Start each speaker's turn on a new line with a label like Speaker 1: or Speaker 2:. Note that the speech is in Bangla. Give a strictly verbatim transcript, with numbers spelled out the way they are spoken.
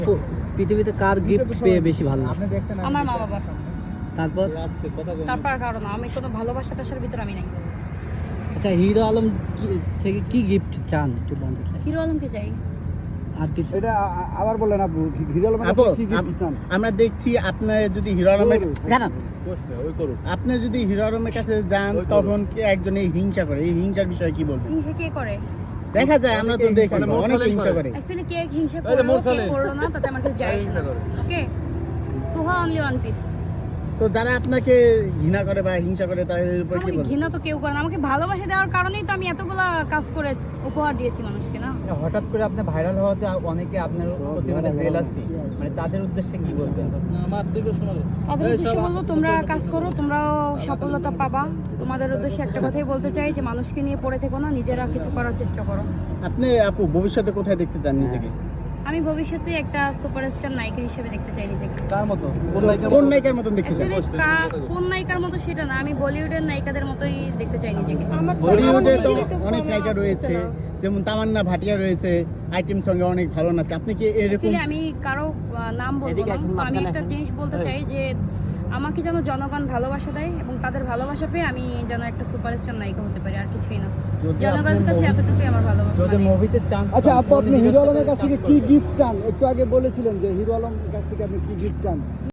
Speaker 1: পৃথিবীতে কার গিফট পেয়ে বেশি ভালো লাগে?
Speaker 2: আমার মা বাবার।
Speaker 1: তারপর
Speaker 2: তারপর আর কারো না, আমি কোনো ভালোবাসা টাসার ভিতরে আমি নাই।
Speaker 1: আচ্ছা, হিরো আলম কি- থেকে কি গিফট চান একটু জানতে চাই।
Speaker 2: হিরো আলমকে চাই।
Speaker 1: আর কিছু?
Speaker 3: এটা আ- আবার বলেন আপু, হিরো আলমের
Speaker 4: আপু,
Speaker 3: কাছে কি কি
Speaker 4: আপ-
Speaker 3: চান?
Speaker 4: আমরা দেখছি আপনি যদি হিরো আলমের
Speaker 1: জানান।
Speaker 4: আপনি যদি হিরো আলমের কাছে যান তখন কি একজনে হিংসা করে, এই হিংসার বিষয়ে কি বলবেন?
Speaker 2: হিংসা কে করে?
Speaker 4: দেখা যায়, আমরা তো দেখি অনেক হিংসা করে।
Speaker 2: অ্যাকচুয়ালি কে হিংসা করলো কে করলো না তাতে আমার কিছু যায় আসে না। Okay, Soha only one piece.
Speaker 4: তো যারা আপনাকে ঘৃণা করে বা হিংসা করে তাদের উপর কি
Speaker 2: আমাকে
Speaker 4: বলবেন?
Speaker 2: ঘৃণা তো কেউ করে না, আমাকে ভালোবাসা দেওয়ার কারণেই তো আমি এতগুলা কাজ করে উপহার দিয়েছি মানুষকে না।
Speaker 5: হঠাৎ করে আপনি ভাইরাল হওয়াতে অনেকে আপনার প্রতি মানে জেলাসি, মানে তাদের উদ্দেশ্যে কি বলবেন?
Speaker 2: তাদের উদ্দেশ্যে বলবো, তোমরা কাজ করো, তোমরাও সফলতা পাবা। তোমাদের উদ্দেশ্যে একটা কথাই বলতে চাই যে মানুষকে নিয়ে পড়ে থেকো না, নিজেরা কিছু করার চেষ্টা করো।
Speaker 4: আপনি আপু ভবিষ্যতে কোথায় দেখতে চান নিজেকে?
Speaker 2: আমি ভবিষ্যতে একটা সুপারস্টার নায়িকা হিসেবে দেখতে চাই নিজেকে।
Speaker 5: কার মতো?
Speaker 4: কোন নায়িকার মতন দেখতে চান?
Speaker 2: অ্যাকচুয়ালি কোন নায়িকার মতো সেটা না, আমি বলিউডের নায়িকাদের মতোই দেখতে চাই নিজেকে।
Speaker 4: বলিউডে তো অনেক নায়িকা রয়েছে, যেমন তামান্না ভাটিয়া রয়েছে, আইটেম সঙ্গে অনেক ভালো নাচে। আপনি কি এরকম?
Speaker 2: অ্যাকচুয়ালি আমি কারো আহ, নাম বলবো না, তো আমি একটা জিনিস বলতে চাই যে আমাকে যেন জনগণ ভালোবাসা দেয় এবং তাদের ভালোবাসা পেয়ে আমি যেন একটা সুপারস্টার নায়িকা হতে পারি, আর কিছুই না। জনগণের কাছে এতটুকুই আমার ভালোবাসা।
Speaker 5: যদি
Speaker 2: মানে-
Speaker 5: মুভিতে চান্স
Speaker 3: আচ্ছা আপু, আপনি হিরো আলমের কাছ থেকে কি গিফট চান? একটু আগে বলেছিলেন যে হিরো আলমের কাছ থেকে আপনি কি গিফট চান?